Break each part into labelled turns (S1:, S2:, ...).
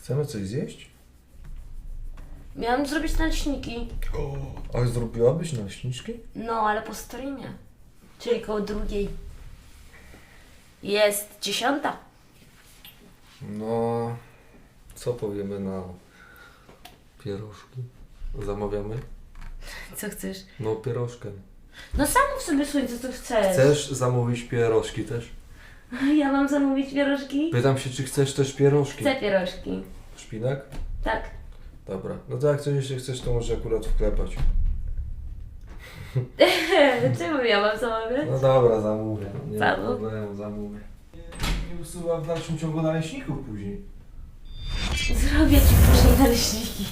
S1: Chcemy coś zjeść?
S2: Miałam zrobić naleśniki.
S1: A zrobiłabyś naleśniczki?
S2: No, ale po streamie. Czyli koło 2. Jest 10.
S1: No, co powiemy na pierożki? Zamawiamy?
S2: Co chcesz?
S1: No, pierożkę.
S2: No zamów sobie słońce, co chcesz.
S1: Chcesz zamówić pierożki też?
S2: Ja mam zamówić pierożki?
S1: Pytam się, czy chcesz też pierożki?
S2: Chcę pierożki.
S1: Szpinak?
S2: Tak.
S1: Dobra. No to jak coś jeszcze chcesz, to może akurat wklepać.
S2: Czemu ja mam zamawiać?
S1: No dobra, zamówię. Nie ma
S2: Zamów.
S1: problemu, zamówię. Nie usuwa w dalszym ciągu naleśników później.
S2: Zrobię ci później naleśniki.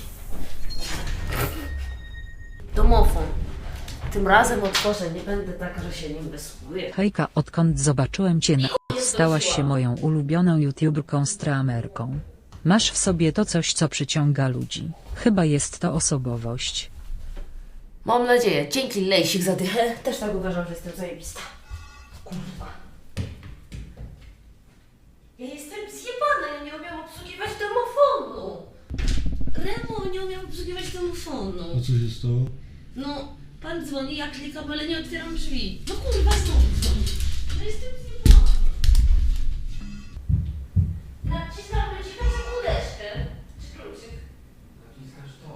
S2: Domofon. Tym razem otworzę, nie będę tak, że się nim wysługuję.
S3: Hejka, odkąd zobaczyłem cię na stałaś się moją ulubioną youtuberką streamerką. Masz w sobie to coś, co przyciąga ludzi. Chyba jest to osobowość.
S2: Mam nadzieję. Dzięki Lejsik za dychę. Też tak uważam, że jestem zajebista. Kurwa. Ja jestem zjebana, ja nie umiem obsługiwać domofonu. Remo, nie umiem obsługiwać domofonu.
S4: A co się stało?
S2: No, pan dzwoni, ja klikam, ale nie otwieram drzwi. No kurwa, znowu dzwoni. No jestem zjebana. Naciskam przycisk na sekundeczkę. Czy kluczyk?
S1: Naciskasz to.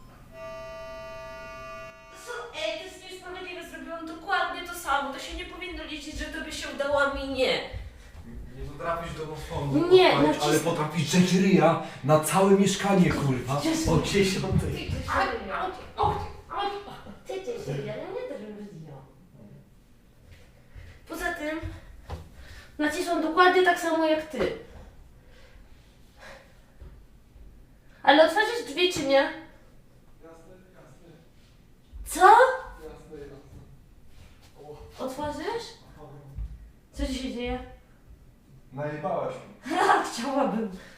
S2: To jest niesprawiedliwe, zrobiłam dokładnie to samo. To się nie powinno liczyć, że to by się udało, a mi nie.
S1: Nie potrafisz domofonu
S2: Nie,
S1: odpalić, ale potrafisz drzeć ryja na całe mieszkanie, kurwa. O 10.
S2: Poza tym nacisłam dokładnie tak samo jak ty. Ale otworzysz drzwi czy nie? Co? Otworzysz? Co ci się dzieje?
S1: Najebałaś mi.
S2: Chciałabym.